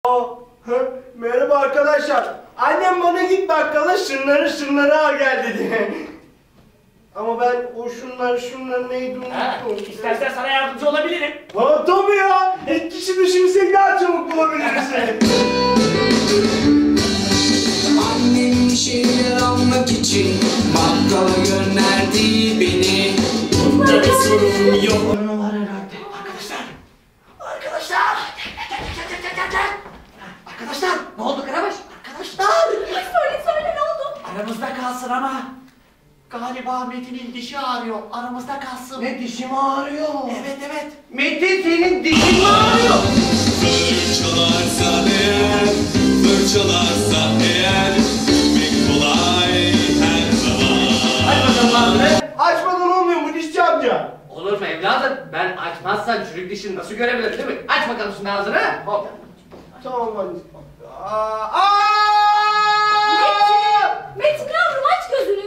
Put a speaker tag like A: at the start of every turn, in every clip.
A: Merhaba arkadaşlar. Annem bana git bakkala şunları al gel dedi. Ama ben o şunlar neydi unuttum.
B: İstersen sana yardımcı olabilirim.
A: Ha tabii ya. Kişi düşünsek daha çabuk bulabiliriz.
C: Annem bir şeyler almak için bakkala gönderdi beni.
B: Bunda bir sorun yok.
A: Ne var herhalde?
B: Arkadaşlar, ne oldu Karabaş? Arkadaşlar!
D: Söyle ne oldu?
B: Aramızda kalsın ama. Galiba Metin'in dişi ağrıyor. Aramızda kalsın.
A: Ne dişim ağrıyor?
B: Evet.
A: Metin senin dişin mi ağrıyor?
C: Fırçalarsa eğer, fırçalarsa eğer, pek kolay her zaman.
B: Hadi bakalım ağzını.
A: Açmadan olmuyor mu dişçi amca?
B: Olur mu evladım? Ben açmazsan çürük dişini nasıl görebilirim değil mi? Aç bakalım şimdi ağzını. Hop.
A: Tamam hadi.
D: Metin yavrum aç gözünü.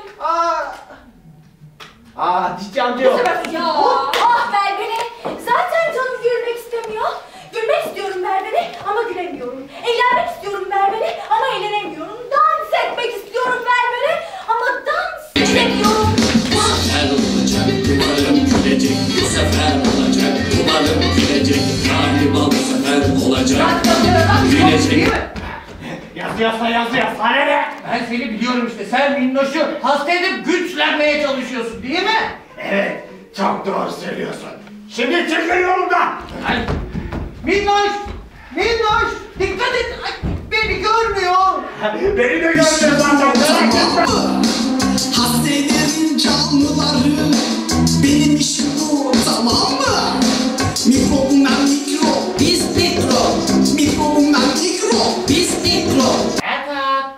A: Dişçi amca yok.
D: Ya ver beni. Zaten canım gülmek istemiyor. Gülmek istiyorum ver beni ama gülemiyorum. Eğlenmek istiyorum ver beni ama eğlenemiyorum. Dans etmek istiyorum ver beni ama dans edemiyorum.
C: Bu sefer olacak, umarım gülecek. Bu sefer olacak, umarım gülecek. Galiba bu sefer olacak, gülecek.
B: Yazıyor. Sana ne? Ben seni biliyorum işte. Sen Minnoş'u hasta edip güçlenmeye çalışıyorsun değil mi?
A: Evet, çok doğru söylüyorsun. Şimdi çekil yolumdan.
B: Ay. Minnoş! Dikkat et! Ay, beni görmüyor!
A: Beni de görmüyor zaten.
C: Hasretin canlıları, benim işim bu, tamam mı? Mikrobundan mikrop, biz mikrop. Mikrobundan mikrop, biz mikrop.
B: Erkan!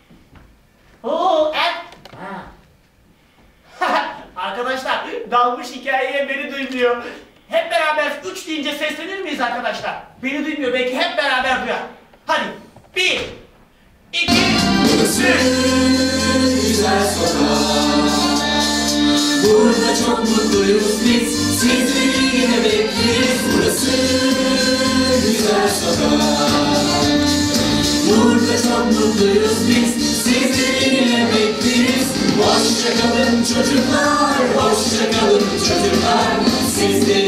B: Arkadaşlar, dalmış hikayeye beni duymuyor. Hep beraber 3 deyince seslenir miyiz arkadaşlar? Beni duymuyor, belki hep beraber duyar. Hadi, 1, 2, 3.
C: Güzel sokak, burada çok mutluyuz biz, sizleri yine bekleriz. Burası güzel sokak, burada çok mutluyuz biz, sizleri yine bekleriz. Hoşça kalın çocuklar, hoşça kalın çocuklar, sizleri